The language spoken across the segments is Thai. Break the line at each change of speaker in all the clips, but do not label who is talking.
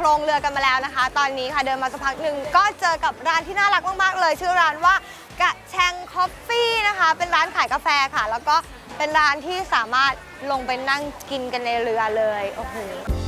รงเรือกันมาแล้วนะคะตอนนี้ค่ะเดินมาสักพักหนึ่งก็เจอกับร้านที่น่ารักมากๆเลยชื่อร้านว่ากระแชงคอฟฟี่นะคะเป็นร้านขายกาแฟค่ะแล้วก็เป็นร้านที่สามารถลงไปนั่งกินกันในเรือเลยโอ้โห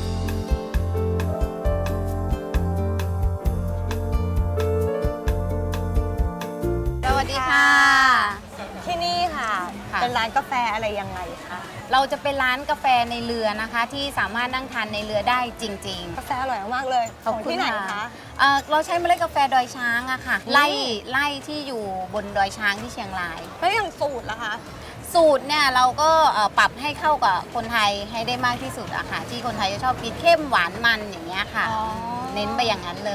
สวัสดีค่ะ
ที่นี่ค่ะเป็นร้านกาแฟอะไรยังไงคะ
เราจะเป็นร้านกาแฟในเรือนะคะที่สามารถนั่งทานในเรือได้จริง
ๆกาแฟอร่อยมากเลยของที่ไหนคะ
เราใช้เมล็ดกาแฟดอยช้างอะค่ะไร่ที่อยู่บนดอยช้างที่เชียงราย
แล้วอย่างสูตรล่ะคะ
สูตรเนี่ยเราก็ปรับให้เข้ากับคนไทยให้ได้มากที่สุดอะค่ะที่คนไทยจะชอบกินเข้มหวานมันอย่างเงี้ยค่ะเน้นไปอย่างนั้นเลย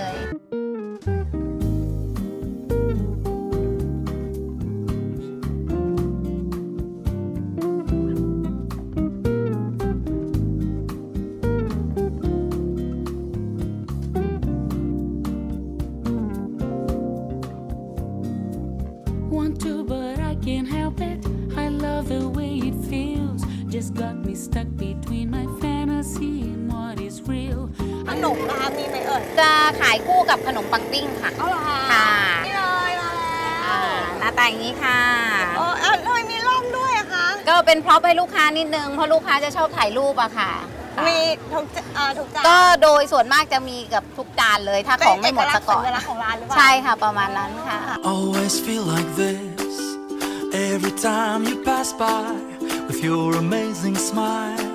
Want to but I can't help it I love the way it feels Just got me stuck between my fantasy and what is real
ขนมนะคะมีไหมเอ่ย
จะขายคู่กับขนมปังปิ้งค่ะ
เอาเหรอคะ
ค่ะ
นี่เลยมาแล้ว
หน้าตาอย่างนี้ค่ะ
ทำไมมีร่มด้วยอะคะ
ก็เป็นพร็อพให้ลูกค้านิดนึงเพราะลูกค้าจะชอบถ่ายรูปอะค่ะ
มีทุกจาน
ก็โดยส่วนมากจะมีกับทุกจานเลยถ้าของไม่หมดซะก่อนใช่ค่ะประมาณนั้นค่ะ
Always feel like this Every time you pass by With your amazing smile